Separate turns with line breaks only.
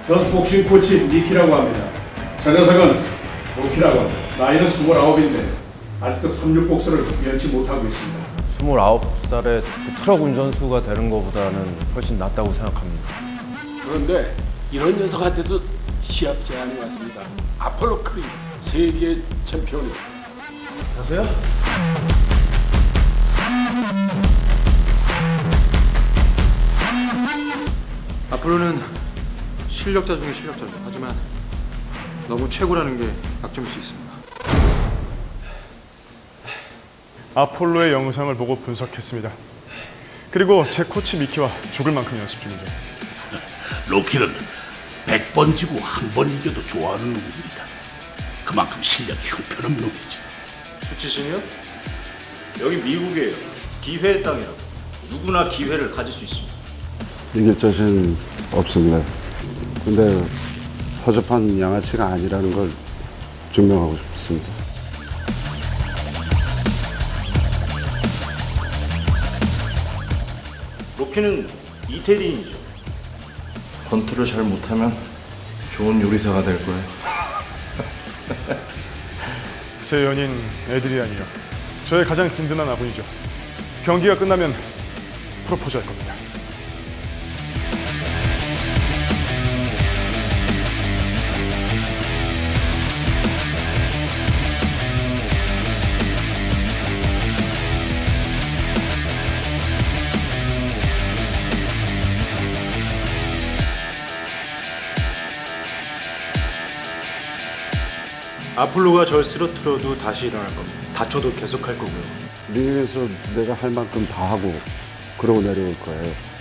전 복싱 코치 미키라고 합니다. 저 녀석은 로키라고 합니다. 나이는 29인데 아직도 36복수를 면치 못하고 있습니다.
29살에 트럭 운전수가 되는 것보다는 훨씬 낫다고 생각합니다.
그런데 이런 녀석한테도 시합 제안이 왔습니다. 아폴로 크리 세계 챔피언이.
가세요?
아폴로는 실력자 중에 실력자죠. 하지만 너무 최고라는 게 약점일 수 있습니다.
아폴로의 영상을 보고 분석했습니다. 그리고 제 코치 미키와 죽을 만큼 연습 중이죠.
로키는 100번 지고 한 번 이겨도 좋아하는 놈입니다. 그만큼 실력이 형편없는 놈이죠.
수치심이요? 여기 미국이에요. 기회의 땅이라고. 누구나 기회를 가질 수 있습니다.
이길 자신 없습니다. 근데 허접한 양아치가 아니라는 걸 증명하고 싶습니다.
로키는 이태리인이죠.
권투를 잘 못하면 좋은 요리사가 될 거예요.
제 연인 에드리안이요. 저의 가장 든든한 아군이죠. 경기가 끝나면 프로포즈 할 겁니다.
아폴로가 절 쓰러뜨려도 다시 일어날 겁니다. 다쳐도 계속할 거고요.
링에서 내가 할 만큼 다 하고 그러고 내려올 거예요.